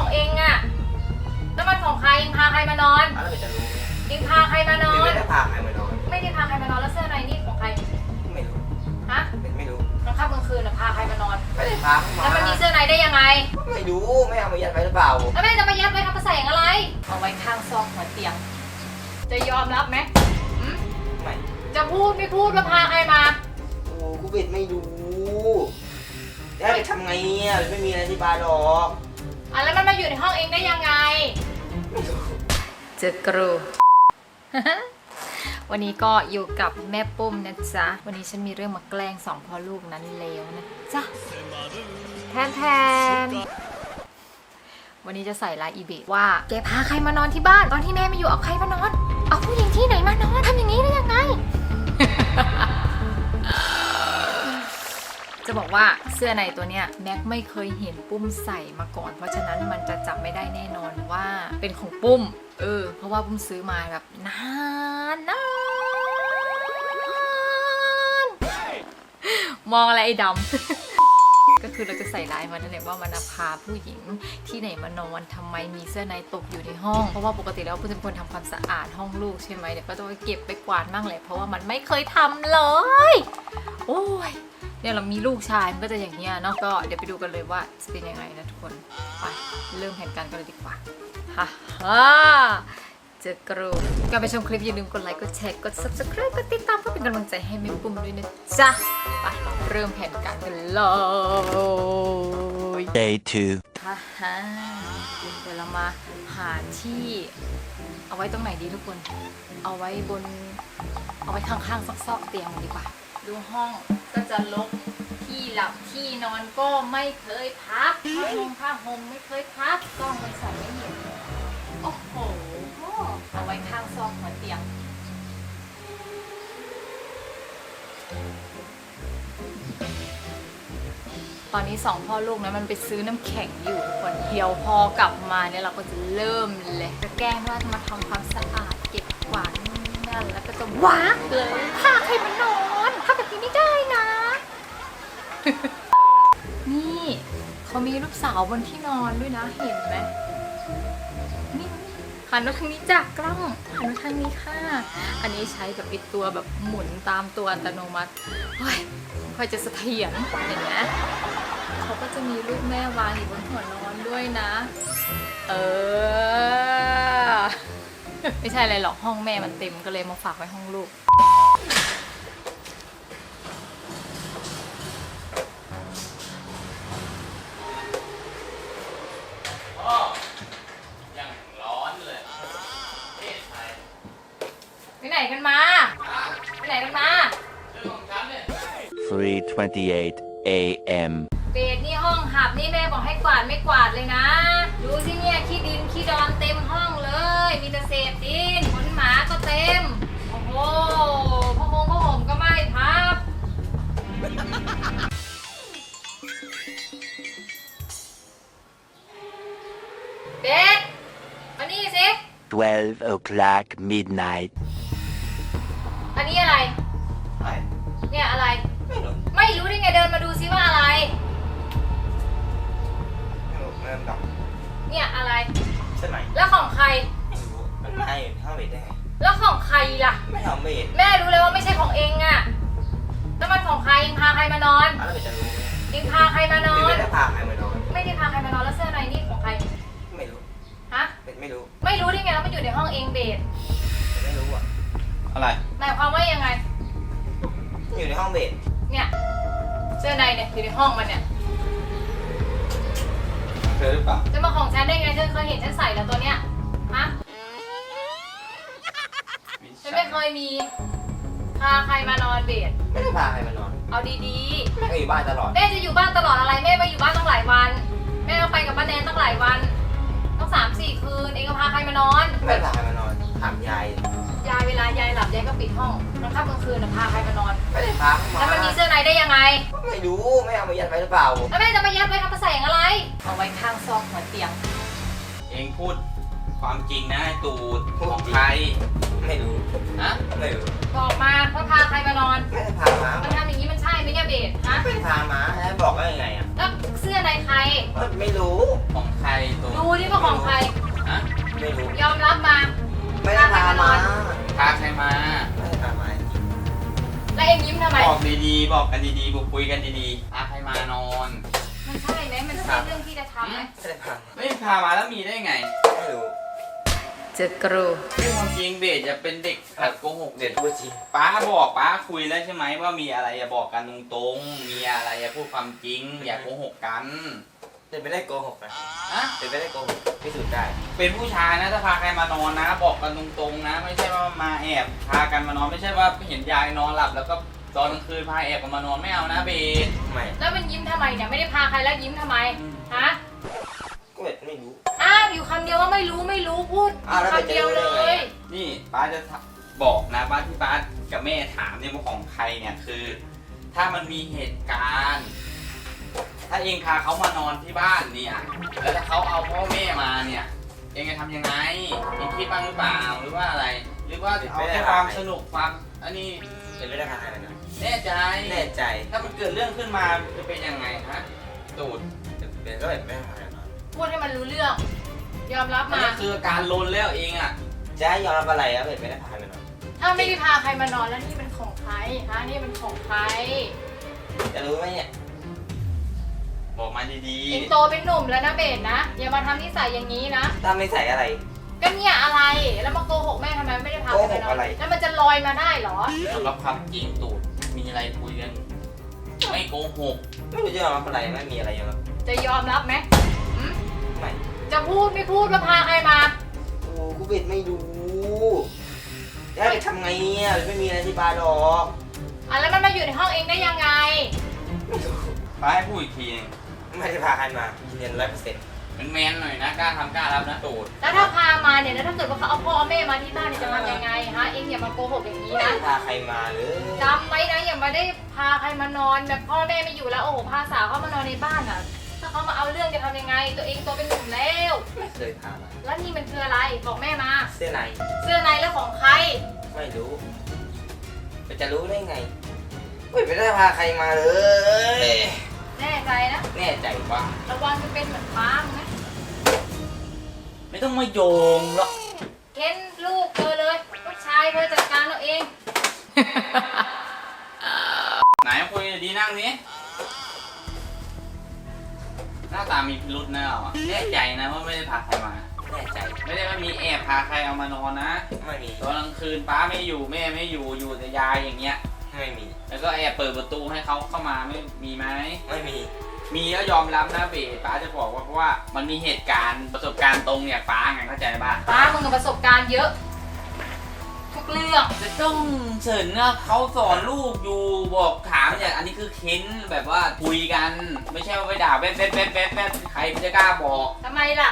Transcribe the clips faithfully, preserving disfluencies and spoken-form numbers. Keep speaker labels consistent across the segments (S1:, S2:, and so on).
S1: เองอะแล้วมันของใครเองพาใครมานอน
S2: แล้วเราจะรู้ไหม
S1: เองพาใครมานอน
S2: ไม่ได้พาใครมานอน
S1: ไม่ได้พาใครมานอนแล้วเสื้อในนี่ของใคร
S2: ไม่รู้
S1: ฮะ
S2: ไม่รู้
S1: กลางค่ำกลางคืนอะพาใครมานอน
S2: ไม่ได้พาเข้ามา
S1: แล้วมันมีเสื้อในได้ยังไง
S2: ไม่รู้ไม่เอามายัดไว้หรือเปล่า
S1: แล้วแม่จะมายัดไว้ทำกระแสงอะไรเอาไว้ข้างซอกหัวเตียงจะยอมรับไหมหืม
S2: ไม่
S1: จะพูดไม่พูดแล้วพาใครมา
S2: โอ้กูเบ็ดไม่รู้แล้วจะทำไงเนี่ยไม่มีอะไรที่บ้านหรอก
S1: อ่ะแล้วมันมาอยู่ในห้องเองได้ยังไง
S2: ไม่รู้
S1: เจอกรู วันนี้ก็อยู่กับแม่ปุ้มนะจ๊ะวันนี้ฉันมีเรื่องมาแกล้งสองพ่อลูกนั้นเลวนะจ๊ะแทนแทนวันนี้จะใส่ลายอีเบะว่าแกพาใครมานอนที่บ้านตอนที่แม่ไม่อยู่เอาใครมานอนเอาผู้หญิงที่ไหนมานอนทำอย่างนี้ได้ยังไง จะบอกว่าเสื้อในตัวเนี้ยแม็กไม่เคยเห็นปุ้มใส่มาก่อนเพราะฉะนั้นมันจะจับไม่ได้แน่นอนว่าเป็นของปุ้มเออเพราะว่าปุ้มซื้อมาแบบนานนานมองอะไรไอ้ดำ ก็คือเราจะใส่ลายมันนั่นแหละว่ามันพาผู้หญิงที่ไหนมานอนทำไมมีเสื้อในตกอยู่ในห้องเพราะว่าปกติแล้วปุ้มจะเป็นคนทำความสะอาดห้องลูกใช่ไหมเดี๋ยวก็ต้องเก็บไปกวาดบ้างแหละเพราะว่ามันไม่เคยทำเลยโอ้ยเนี่ยเรามีลูกชายมันก็จะอย่างเงี้ยเนาะก็เดี๋ยวไปดูกันเลยว่าจะเป็นยังไงนะทุกคนไปเริ่มแผนการกันเลยดีกว่าฮ่าฮ่าเจอกรูก่อนไปชมคลิปอย่าลืมกดไลค์กดแชร์กด ซับสไครบ์ กดติดตามเพื่อเป็นกำลังใจให้แม่ปุ้มด้วยนะจ๊ะไปเริ่มแผนการกันเลย
S3: Day two
S1: ฮ่าฮ่าเดี๋ยวเรามาหาที่เอาไว้ตรงไหนดีทุกคนเอาไว้บนเอาไว้ข้างๆซอกๆเตียงดีกว่าดูห้องก็จะรกที่หลับที่นอนก็ไม่เคยพับผ้าห่มผ้าห่มไม่เคยพับกล้องมันใส่ไม่เห็นโอ้โหเอาไว้ข้างซอกหัวเตียงตอนนี้สองพ่อลูกนะมันไปซื้อน้ำแข็งอยู่ทุกคนเดี๋ยวพอกลับมาเนี่ยเราก็จะเริ่มเลยจะแกล้งว่าจะมาทำความสะอาดเก็บกวาดนั่นแล้วก็จะว้าเลยพาใครมานอนถ้าแบบนี้ไม่ได้นะ นี่เขามีลูกสาวบนที่นอนด้วยนะเห็นไหมนี่หันมาทางนี้จากกล้องหันมาทางนี้ค่ะอันนี้ใช้แบบปิดตัวแบบหมุนตามตัวอัตโนมัติเฮ้ยค่อยจะเสถียรเห็นไหมเขาก็จะมีลูกแม่วางอยู่บนหัวนอนด้วยนะเออ ไม่ใช่อะไรหรอกห้องแม่มันเต็มก็เลยมาฝากไว้ห้องลูกไปไหนกันมาไปไหนกันมา
S3: three twenty-eight a m
S1: เบดนี่ห้องหับนี่แม่บอกให้กวาดไม่กวาดเลยนะดูสิเนี่ยขี้ดินขี้ดอนเต็มห้องเลยมีแต่เศษดินขนหมาก็เต็มโอ้โหพ่อคงพ่อห่มก็ไม่พับเบดมานี่สิ
S3: twelve o'clock midnight
S1: อันนี้อะไร
S2: ไม่
S1: เนี่ยอะไร
S2: ไม่รู้
S1: ไม่รู้ได้ไงเดินมาดูซิว่าอะไร
S2: ไม่รู้เริ่มดับ
S1: เนี่ยอะไร
S2: ใช่ไหม
S1: แล้วของใคร
S2: ไม่รู้มันไม่ห้าเบ็ดได้ไง
S1: แล้วของใครล่ะ
S2: ไม่ทำเบ็ด
S1: แม่รู้เลยว่าไม่ใช่ของเองอะแล้วมันของใครเองพาใครมานอน
S2: แล้วเราจะรู้ไหม
S1: เองพาใครมานอน
S2: ไม่ได้พาใครมานอน
S1: ไม่ได้พาใครมานอนแล้วเสื้อในนี่ของใคร
S2: ไม่รู้
S1: ฮะ
S2: เบ็ดไม่รู้
S1: ไม่รู้ได้ไงแล้วมันอยู่ในห้องเองเบส
S2: ไม่รู้อ่ะอะไร
S1: หมายความว่ายังไง
S2: อยู่ในห้องเบ็ด
S1: เนี่ยเสื้อในเนี่ยอยู่ในห้องมันเนี่ย
S2: เธอหรือเปล่า
S1: จะมาของฉันได้ไงเธอเคยเห็นฉันใส่แล้วตัวเนี้ยฮะฉันไม่เคยมีพาใครมานอนเบส
S2: ไม่ได้พาใครมานอน
S1: เอาดี
S2: แม่ก็อยู่บ้านตลอด
S1: ๆแม่จะอยู่บ้านตลอดอะไรแม่ไปอยู่บ้านตั้งหลายวันแม่ต้องไปกับป้าแนนตั้งหลายวันต้องสามสี่คืนเองก็พาใครมานอน
S2: ไม่ได้พาใครมานอนถามยาย
S1: ยายเวลายายหลับยายก็ปิดห้องกลางค่ำกลางคืนนะพาใครมานอน
S2: ไม่ได้พาเข้ามา
S1: แล้วมันมีเสื้อในได้ยังไง
S2: ไม่รู้ไม่เอามายัดไว้หรือเปล่า
S1: แล้วแม่จะมายัดไว้ทำกระแสงอะไรเอาไว้ข้างซอกหัวเตียง
S4: เองพูดความจริงนะไอ้ตูด
S2: พูด
S4: ของ
S2: จริง
S4: ใคร
S2: ไม่รู้
S4: ฮะ
S2: ไม่รู้
S1: บอกมาว่าพาใครมานอน
S2: ไม่ได้พามา
S1: มันทำอย่างนี้มันใช่ไหมเนี่ยเบสฮะ
S2: ไม่ได้พามาแล้วบอกได้ยังไงอ่ะ
S1: แล้วเสื้อในใคร
S2: ไม่รู้
S4: ของใครตูด
S1: ดูดิ
S4: พาใครมา
S2: ไม่ได้พามาจริง
S1: แล้วเองยิ้มทำไม
S4: บอกดีๆ บอกกันดีๆบอกคุยกันดีๆพาใครมานอน
S1: มันใช่ไหมมันใช่เรื่องที่จะทำไหม
S2: ไม่ได้พามา
S4: ไม่พามาแล้วมีได้ไง
S2: ไม่รู้
S1: เจอกรู
S4: เรื่องความจริงเบสจะเป็นเด็กหัดโกหก
S2: เด็
S4: เด็
S2: ด
S4: ด
S2: พูดจริง
S4: ป้าบอกป้าคุยแล้วใช่ไหมว่ามีอะไรอย่าบอกกันตรงๆ มีอะไรอย่าพูดความจริง อย่าโกหกกัน
S2: เด็ดไม่ได้โกหกนะ
S4: อะ
S2: เด็ดไม่ได้โกหกพิสูจน์ได้
S4: เป็นผู้ชายนะถ้าพาใครมานอนนะ บอกกันตรงๆนะ ไม่ใช่ว่ามาแอบพากันมานอนไม่ใช่ว่าเห็นยายนอนหลับแล้วก็ตอนกลางคืนพาแอบกันมานอนไม่เอานะเบส
S2: ไม่
S1: แล้วมันยิ้มทำไมเนี่ยไม่ได้พาใครแล้วยิ้มทำไมฮะ
S2: ก็เด็ดไม่รู้
S1: อ้าวอยู่คำเดียวว่าไม่รู้ไม่รู้พูด
S2: อ้าวแล้วไป
S1: คำเดียวเล
S2: เจอได้ไง
S1: ย
S4: นี่ป้าจะบอกนะป้าที่ป้ากับแม่ถามเนี่ยว่าของใครเนี่ยคือ ถ้ามันมีเหตุการณ์ ถ้าเองพาเขามานอนที่บ้านเนี่ยแล้วถ้าเขาเอาพ่อแม่มาเนี่ยเองจะทำยังไงเองคิดบ้างหรือเปล่าหรือว่าอะไร หรือว่าเอาแค่ความสนุกความอันนี้
S2: เด็ดไม่ได้พาใครมานะ
S4: แน่ใจ
S2: แน่ใจ
S4: ถ้ามันเกิดเรื่องขึ้นมาจะเป็นยังไงฮะตูด
S2: เด็ดเป็นก็เด็ดไม่ได้พาใครมา
S1: พูดให้มันรู้เรื่อง ยอมรับ
S4: อัน
S1: มา
S4: นี้คือการลนแล้วเองอ่ะ
S2: จะให้ยอมรับอะไรอ่ะเด็ดไม่ได้พาใครมานอน
S1: ถ้าไม่ได้พาใครมานอนแล้วนี่เป็นของใครฮะนี่เป็นของใคร
S2: จะรู้ไหมเนี่ย
S4: บอกมาดี
S1: เองโตเป็นหนุ่มแล้วนะเบสนะอย่ามาทำนิสัยอย่างนี้นะ
S2: ถ้าไม่ใส่อะไร
S1: ก็เนี่ยอะไรแล้วมาโกหกแม่ทำไมไม่ได้พาใครมาน
S2: โกหก
S1: อ
S2: อะไร
S1: นแล้วมันจะลอยมาได้เหรอ
S4: ๆสำหรับความจริงตูดมีอะไรคุยกันไม่โกหก
S2: ไม่รู้จะยอมรับอะไรไม่มีอะไรยอมรับ
S1: จะยอมรับไหมหืม
S2: ไม่
S1: จะพูดไม่พูดว่าพาใครมา
S2: โอ้กูเบ็ดไม่รู้จะให้ไปทำไงเนี่ยไม่มีอะไรที่บ้านหรอก
S1: อ่ะแล้วมันมาอยู่ในห้องเองได้ยังไง
S2: ไม่รู้
S4: ป้าให้พูดอีกทีนึง
S2: ไม่ได้พาใครมายืนยันร้อยเปอร์เซ็นต์
S4: เป็นแมนหน่อยนะกล้าทำกล้ารับนะตูด
S1: แล้วถ้าพามาเนี่ยแล้วถ้าเกิดว่าเขาเอาพ่อเอาแม่มาที่บ้านเนี่ยจะทำยังไงฮะเองอย่ามาโกหกอย่างนี้
S2: ไม่
S1: นะ
S2: ได้พาใครมาเลย
S1: จำไว้นะอย่ามาได้พาใครมานอนแบบพ่อแม่ไม่อยู่แล้วโอ้โหพาสาวเข้ามานอนในบ้านอ่ะ ถ้าเขามาเอาเรื่องจะทำยังไง ตัวเองโตเป็นหนุ่มแล้ว
S2: ไม่เคยพามา
S1: แล้วนี่มันคืออะไรบอกแม่มา
S2: เสื้อใน
S1: เสื้อในแล้วของใคร
S2: ไม่รู้มันจะรู้ได้ไงไม่ไม่ได้พาใครมาเลย
S1: แน่ใจนะ
S2: แน่ใจว่า
S1: ระวังจะเป็นเหมือนป้ามึงนะ
S4: ไม่ต้องมาโยงหรอก
S1: เค้นลูกเธอเลยลูกชายเธอจัดการเอาเอง
S4: ไหนคุยดีนั่งนี้หน้าตามีพิรุษนะเราอะแน่ใจนะว่าไม่ได้พาใครมา
S2: แน่ใจ
S4: ไม่ได้ว่ามีแอบพาใครเอามานอนนะ
S2: ไม่มี
S4: ตอนกลางคืนป้าไม่อยู่แม่ไม่อยู่อยู่แต่ยายอย่างเงี้ย
S2: ไม่มี
S4: แล้วก็แอบเปิดประตูให้เขาเข้ามาไม่มีไหม
S2: ไม่มี
S4: มีก็ยอมรับนะเบสป้าจะบอกว่าเพราะว่ามันมีเหตุการณ์ประสบการณ์ตรงเนี่ยป้าไงเข้าใจป่ะ
S1: ป้ามึงกับประสบการณ์เยอะ ทุกเรื่อง
S4: จะต้องเฉินนะเขาสอนลูกอยู่บอกถามอย่างอันนี้คือเค้นแบบว่าคุยกัน ไม่ใช่ว่าไปด่าแป๊บแป๊บแป๊บแป๊บแป๊บใครจะกล้าบอก
S1: ทำไมล่ะ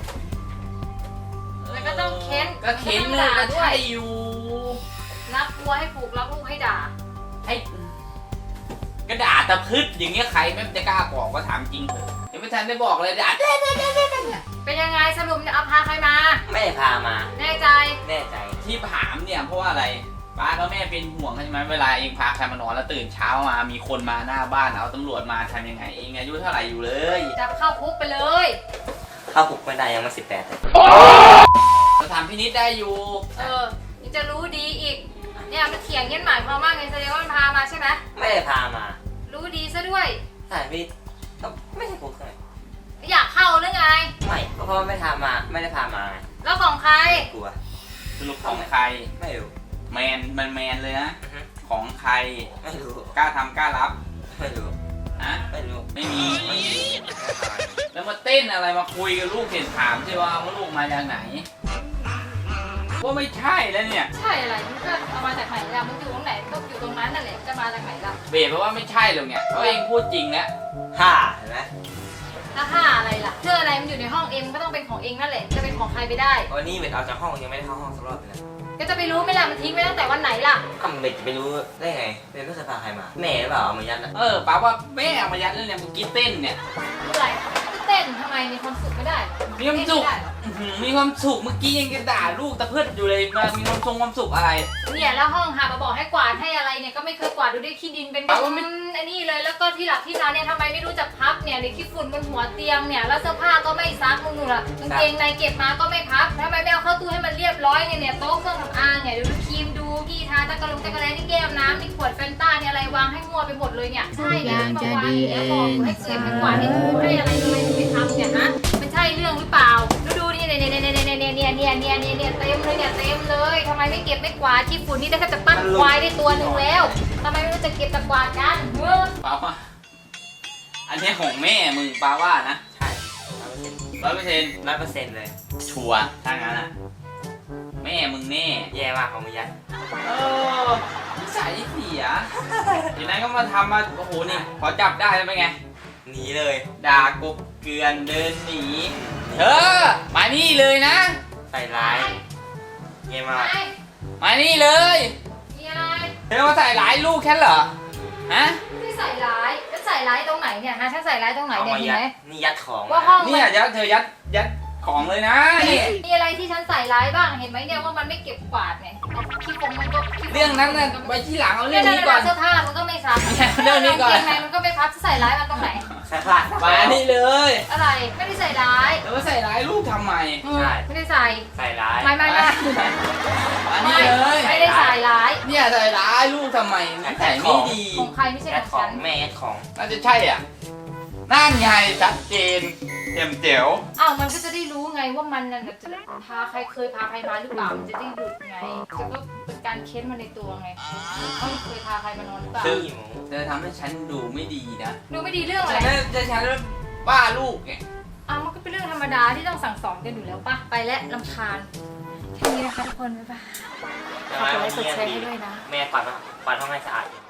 S1: แล้วก็ต้องเค้น
S4: ก็เค้น
S1: ก็
S4: เล
S1: ต้อง
S4: ย
S1: ด่า
S4: ก็
S1: ด้วย
S4: ใช่อยู่
S1: รักวัวให้ผูกรักลูกให้ด่า
S4: ให้ก็ด่าตะพืชอย่างเงี้ยใครไม่จะกล้าบอกว่าถามจริงเถอะยังไม่ทันได้บอกเลยด่าเด้เด้เด้เด้เด้
S1: เป็นยังไงสรุปจะเอาพาใครมา
S2: ไม่ได้พามา
S1: แน่ใจ
S2: แน่ใจ
S4: ที่ถามเนี่ยเพราะว่าอะไรป้ากับแม่เป็นห่วงใช่ไหมเวลาเองพาใครมานอนแล้วตื่นเช้ามามีคนมาหน้าบ้านเอาตำรวจมาทำยังไงเองอายุเท่าไหร่อยู่เลย
S1: จับเข้าคุกไปเลย
S2: เข้าคุกไม่ได้ยังมาสิบแปดเลย
S4: เราทำพินิจได้อยู่
S1: เออนี่จะรู้ดีอีก เนี่ยมันเถียงเงี้ยหมายความว่าไงแสดงว่ามันพามาใช่ไหม
S2: ไม่ได้พามา
S1: รู้ดีซะด้วย
S2: สถานพิษก็ไม่ใช่คุกเลย
S1: อยากเข้าหรือไง
S2: ไม่ก็เพราะว่าไม่ทามาไม่ได้พามาไง
S1: แล้วของใคร
S2: กลัว
S4: สรุปของใคร
S2: ไม่รู้
S4: แมนมันแมนเลยนะ
S2: อือฮึ
S4: ของใคร
S2: ไม่รู้
S4: กล้าทำกล้ารับ
S2: ไม่รู้
S4: นะ
S2: ไม่รู้
S4: ไม่มี
S2: ไม่มีไม่ได้พา
S4: แล้วมาเต้นอะไรมาคุยกับลูกเห็นถามใช่ว่าว่าลูกมาจากไหนว่าไม่ใช่แล้วเนี่ย
S1: ใช่อะไรมันก็เอามาจากไหนล่ะมันอยู่ตรงไหนก็อยู่ตรงนั้นนั่นแหละจะมาจากไหนล่ะ
S4: เบสเพราะว่าไม่ใช่หรอกเนี่ยเพราะเองพูดจริงแล้ว
S2: ห้าเห็นไหม
S1: ถ้าห้าอะไรล่ะเสื้ออะไรมันอยู่ในห้องเองมันก็ต้องเป็นของเองนั่นแหละจะเป็นของใครไปได้
S2: วันนี้เบ็ดออกจากห้องยังไม่ได้เข้าห้องสักรอบเลยนะ
S1: ก็จะไปรู้ไหมล่ะมันทิ้งไว้ตั้งแต่วันไหนล่ะ
S2: ทำเบ็ดจะไปรู้ได้ไงเบ็ดไม่เคยพาใครมาแม่หรือเปล่าเอามายัดอะ
S4: เออป้าว่าแม่เอามายัดเรื่องเนี่ยเมื่อกี้เต้นเนี่ย
S1: อะไรก็เต้นทำไมมีความสุขไม่ได้เหรอ
S4: มีความสุข
S1: เต้นไได้เหรอ
S4: อื้อหือมีความสุขเมื่อกี้ยังจะด่าลูกตะเพิดอยู่เลยมามีความทรงความสุขอะไร
S1: เนี่ยแล้วห้องหามาบอกให้กวาดให้อะไรเนี่ยก็ไม่เคยกวาดดูได้ขี้ดินเป็น
S4: เอาว่าไม่
S1: อืมอันนี้เลยแล้วก็ที่หลับที่นอนเนี่ยทำไมไม่รู้จักพับเนี่ยในขี้ฝุ่นบนหัวเตียงเนี่ยแล้วเสื้อผ้าก็ไม่ซักมึงหนูล่ะกางเกงในเก็บมาก็ไม่พับทำไมไม่เอาเข้าตู้ให้มันเรียบร้อยเนี่ยเนี่ยโต๊ะเครื่องสำอางเนี่ยดูครีมดูที่ทาตะกะลงตะกะแลนี่แก้วน้ำนี่ขวดแฟนต้าเนี่ยอะไรวางให้มั่วไปหมดเลยเนี่ยใช่เนี่ยมาวางอยู่แล้วบอกให้เก็บให้กวาดให้ถูให้อะไรทำไมถึงไม่ทำเนี่ยฮะมันใช่เรื่องหรือเปล่าดูดูนี่เนี่ยเนี่ยเนี่ยเนี่ยเนี่ยเนี่ยเนี่ยเนี่ยเนี่ยเต็มเลยเนี่ยเต็มเลยทำไมไม่เก็บไม่กวาดที่ฝุ่นนี่ได้แค่จะปั้นควายได้ตัวหนึ่งแล้วทำไมไม่รู้จะเก็บตะกวาดกันเมื่อ
S4: ป้าว่าอันนี้ของแม่มึงป้าว่านะ
S2: ใช่ร้อยเปอร์เซ็นต์
S4: ร้อยเปอร์เซ็นต์
S2: ร้อยเปอร์เซ็นต์เลย
S4: ชัวร์ถ้างั้นอ่ะแม่มึงแน่
S2: แย่มากของมึงยัด
S4: เออนิสัยเสียทีนั้นก็มาทำมาโอ้โหนี่พอจับได้แล้วเป็นไง
S2: หนีเลย
S4: ด่ากบเกลือนเดินหนีเธอมานี่เลยนะ
S2: ใส่ร้ายแย่มาก
S4: มานี่เลย
S1: มีอะไร
S4: เธอมาใส่ร้ายลูกแค่เหรอฮะ
S1: ไม่ได้ใส่ร้ายจะใส่ร้ายตรงไหนเนี่ยฮะฉันใส่ร้ายตรงไหน
S2: เอา
S1: เนี่ย
S2: มา
S1: เห็น
S2: ยัด
S1: ไหม
S2: นี่ยัดของ
S1: ว่าห้อง
S4: เนี่ยยัดเธอยัดยัดของเลยนะนี่
S1: มีอะไรที่ฉันใส่ร้ายบ้างเห็นไหมเนี่ยว่ามันไม่เก็บกวาดเนี่ยขี้ฟงมันก็ขี้ฟ
S4: เรื่องนั้นน่ะไว้ที่หลังเอาเรื่องนี้ก่อน
S1: เสื้อผ้ามันก็ไม่ซัก
S4: เรื่องนี้ก่อน
S1: กางเกงในมันก็ไม่พับจะใส่ร้ายมันตรงไหน
S2: ใส่ผ้า
S4: มานี่เลย
S1: อะไรไม่ได้ใส่ร้าย
S4: เธอมาใส่ร้ายลูกทำไม
S2: ใช่
S1: ไม่ได้ใส่
S2: ใส่ร้าย
S1: ไม่ไม่ไม่
S4: มานี่เลย
S1: ไม่ได้ใส่ร้าย
S4: เนี่ยใส่ร้ายลูกทำไมนิสัยไม่ดี
S1: ของใครไม่ใช่
S2: ยัด
S1: ข
S2: ข
S1: อ
S2: อง ง
S1: ฉัน
S2: แม่ยัดของ
S4: น่าจะใช่อ่ะนั่นไงชัดเจนเต็มเจ๋ว
S1: อ้าวมันก็จะได้รู้ไงว่ามันน่ะจะพาใครเคยพาใครมาหรือเปล่ามันจะได้หลุดไงจะก็เป็นการเค้นมาในตัวไงเขาเคยพาใครมานอนหรือเปล่า
S2: ซึ่งหมู
S4: เธอทำให้ฉันดูไม่ดีนะ
S1: ดูไม่ดีเรื่องอะไร
S4: ฉันจะฉันว่าลูกไง
S1: อ้าวมันก็เป็นเรื่องธรรมดาที่ต้องสั่งสอนกันอยู่แล้วป่ะไปและรำคาญแค่นี้นะคะทุกคนบ๊ายบาย
S2: ใช่ไหม
S1: ฝากกดไลค์กดแชร์
S2: ดี
S1: ให้ด้วยนะ
S2: แม่ปัดปัดห้องให้สะอาดอยู่